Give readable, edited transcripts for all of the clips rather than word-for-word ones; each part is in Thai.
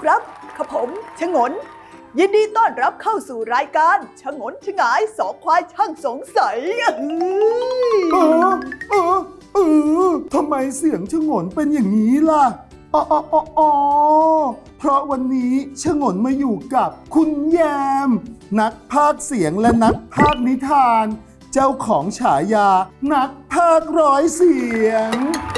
ครับข้าผมชงนยินดีต้อนรับเข้าสู่รายการชงนชงายสองควายช่างสงสัยทำไมเสียงชงนเป็นอย่างนี้ล่ะอ๋อเพราะวันนี้ชงนมาอยู่กับคุณแยมนักพากย์เสียงและนักพากย์นิทานเจ้าของฉายานักพากย์ร้อยเสียง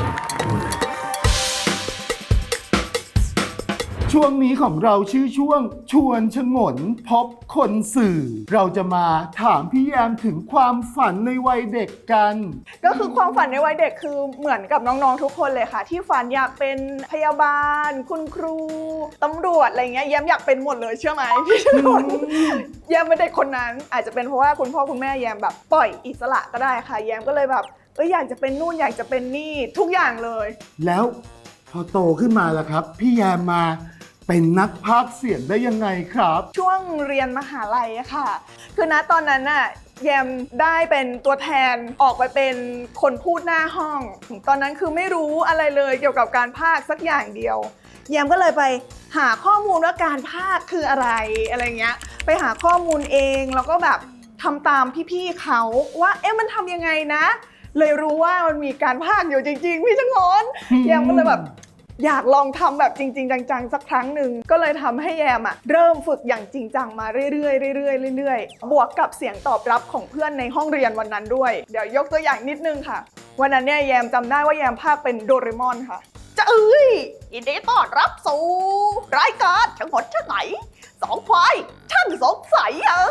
ช่วงนี้ของเราชื่อช่วงชวนชงนพบคนสื่อเราจะมาถามพี่แยมถึงความฝันในวัยเด็กกันก็คือความฝันในวัยเด็กคือเหมือนกับน้องๆทุกคนเลยค่ะที่ฝันอยากเป็นพยาบาลคุณครูตำรวจอะไรเงี้ยแยมอยากเป็นหมดเลยเชื่อไหมพี่ชนนแยมเป็นเด็กคนนั้นอาจจะเป็นเพราะว่าคุณพ่อคุณแม่แยมแบบปล่อยอิสระก็ได้ค่ะแยมก็เลยแบบอยากจะเป็นนู่นอยากจะเป็นนี่ทุกอย่างเลยแล้วพอโตขึ้นมาล่ะครับพี่แยมมาเป็นนักพากย์เสียงได้ยังไงครับช่วงเรียนมหาลัยอะค่ะคือณตอนนั้นน่ะแยมได้เป็นตัวแทนออกไปเป็นคนพูดหน้าห้องตอนนั้นคือไม่รู้อะไรเลยเกี่ยวกับการพากย์สักอย่างเดียวแยมก็เลยไปหาข้อมูลว่าการพากย์คืออะไรเงี้ยไปหาข้อมูลเองแล้วก็แบบทำตามพี่ๆเขาว่ามันทำยังไงนะเลยรู้ว่ามันมีการพากย์อยู่จริงๆพี่ชงนแยมก็เลยแบบอยากลองทำแบบจริงๆจังๆสักครั้งหนึ่งก็เลยทำให้แยมเริ่มฝึกอย่างจริงจังมาเรื่อยๆบวกกับเสียงตอบรับของเพื่อนในห้องเรียนวันนั้นด้วยเดี๋ยวยกตัวอย่างนิดนึงค่ะวันนั้นเนี่ยแยมจำได้ว่าแยมพากย์เป็นโดเรมอนค่ะจะยินดีต้อนรับสู่รายการชงนชงายสองควายช่างสงสัย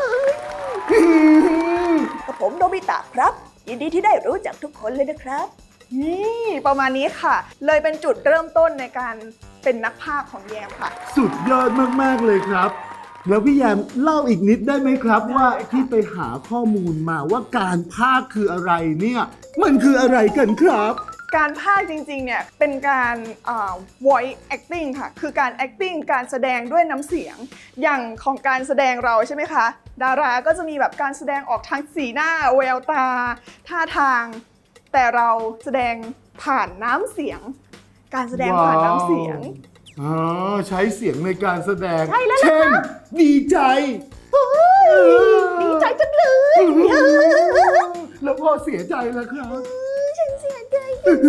กับผมโนบิตะครับยินดีที่ได้รู้จักทุกคนเลยนะครับนี่ประมาณนี้ค่ะเลยเป็นจุดเริ่มต้นในการเป็นนักพากย์ของแยมค่ะสุดยอดมากๆเลยครับแล้วพี่แยมเล่าอีกนิดได้ไหมครับว่าที่ไปหาข้อมูลมาว่าการพากย์คืออะไรเนี่ยมันคืออะไรกันครับการพากย์จริงๆเนี่ยเป็นการvoice acting ค่ะคือการ acting การแสดงด้วยน้ำเสียงอย่างของการแสดงเราใช่ไหมคะดาราก็จะมีแบบการแสดงออกทางสีหน้าแววตาท่าทางแต่เราแสดงผ่านน้ำเสียงการแสดงผ่านน้ำเสียงใช้เสียงในการแสดงใช่แล้วเช่นดีใจดีใจจังเลยแล้วพอเสียใจล่ะครับฉันเสียใจ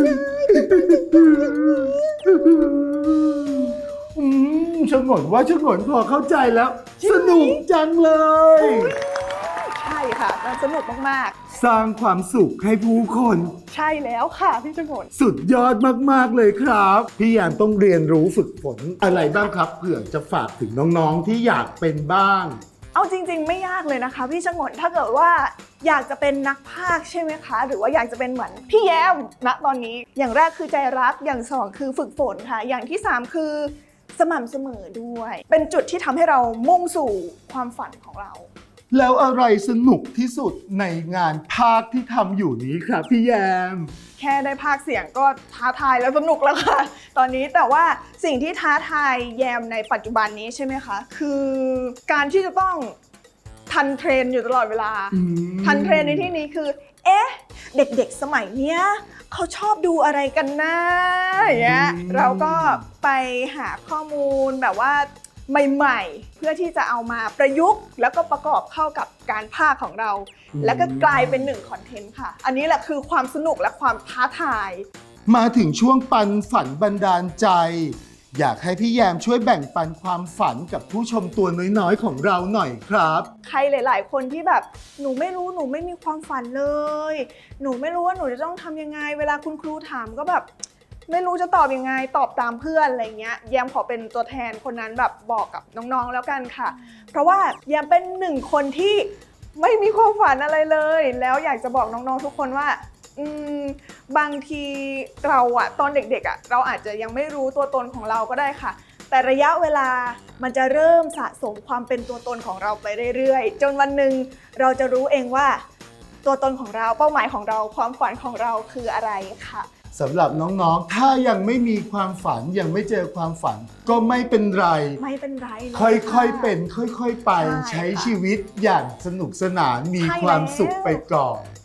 ชงนว่าชงนพอเข้าใจแล้วสนุกจังเลยใช่ค่ะมันสนุกมากๆสร้างความสุขให้ผู้คนใช่แล้วค่ะพี่ชงนสุดยอดมากๆเลยครับพี่แยมต้องเรียนรู้ฝึกฝนอะไรบ้างครับเผื่อจะฝากถึงน้องๆที่อยากเป็นบ้างเอาจริงๆไม่ยากเลยนะคะพี่ชงนถ้าเกิดว่าอยากจะเป็นนักพากย์ใช่ไหมคะหรือว่าอยากจะเป็นเหมือนพี่แยมณตอนนี้อย่างแรกคือใจรักอย่างสองคือฝึกฝนค่ะอย่างที่สามคือสม่ำเสมอด้วยเป็นจุดที่ทำให้เรามุ่งสู่ความฝันของเราแล้วอะไรสนุกที่สุดในงานพากย์ที่ทำอยู่นี้ครับพี่แยมแค่ได้พากย์เสียงก็ท้าทายแล้วสนุกแล้วค่ะตอนนี้แต่ว่าสิ่งที่ท้าทายแยมในปัจจุบันนี้ใช่ไหมคะคือการที่จะต้องทันเทรนอยู่ตลอดเวลาทันเทรนในที่นี้คือเด็กๆสมัยเนี้ยเขาชอบดูอะไรกันนะอย่างเงี้ยเราก็ไปหาข้อมูลแบบว่าใหม่ๆเพื่อที่จะเอามาประยุกต์แล้วก็ประกอบเข้ากับการพากย์ของเราแล้วก็กลายเป็นหนึ่งคอนเทนต์ค่ะอันนี้แหละคือความสนุกและความท้าทายมาถึงช่วงปันฝันบันดาลใจอยากให้พี่แยมช่วยแบ่งปันความฝันกับผู้ชมตัวน้อยๆของเราหน่อยครับใครหลายๆคนที่แบบหนูไม่รู้หนูไม่มีความฝันเลยหนูไม่รู้ว่าหนูจะต้องทำยังไงเวลาคุณครูถามก็แบบไม่รู้จะตอบยังไงตอบตามเพื่อนอะไรเงี้ยแยมขอเป็นตัวแทนคนนั้นแบบบอกกับน้องๆแล้วกันค่ะเพราะว่าแยมเป็นหนึ่งคนที่ไม่มีความฝันอะไรเลยแล้วอยากจะบอกน้องๆทุกคนว่าบางทีเราตอนเด็กๆเราอาจจะยังไม่รู้ตัวตนของเราก็ได้ค่ะแต่ระยะเวลามันจะเริ่มสะสมความเป็นตัวตนของเราไปเรื่อยๆจนวันหนึ่งเราจะรู้เองว่าตัวตนของเราเป้าหมายของเราความฝันของเราคืออะไรค่ะสำหรับน้องๆถ้ายังไม่มีความฝันยังไม่เจอความฝันก็ไม่เป็นไรค่อยๆเป็นค่อยๆไปใช้ชีวิตอย่างสนุกสนานมีความสุขไปก่อนใช่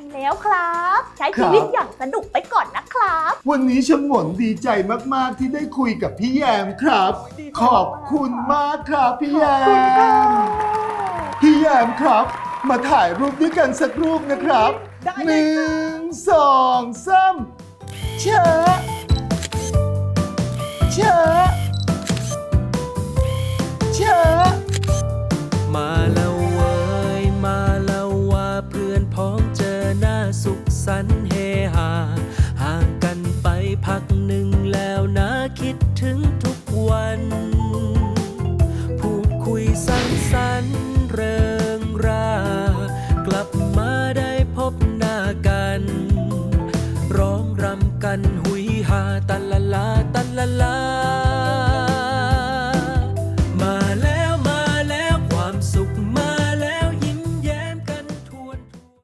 แล้วครับ ใช้ชีวิตอย่างสนุกไปก่อนนะครับวันนี้ชงนดีใจมากๆที่ได้คุยกับพี่แยมครับ ขอบคุณมากครับพี่แยม พี่แยมครับ มาถ่ายรูปด้วยกันสักรูปนะครับได้เลยค่ะ 1 2 3เชอะเชอะเชอะมาแล้วเว้ยมาแล้วว่าเพื่อนพ้องเจอหน้าสุขสันต์เฮฮาห่างกันไปพักหนึ่งแล้วนะคิดถึงทุกวัน พูดคุยสังสรรค์เริงรากลับมาได้พบหน้ากัน ร้องรำกันหุยฮาตันละลาตันละลา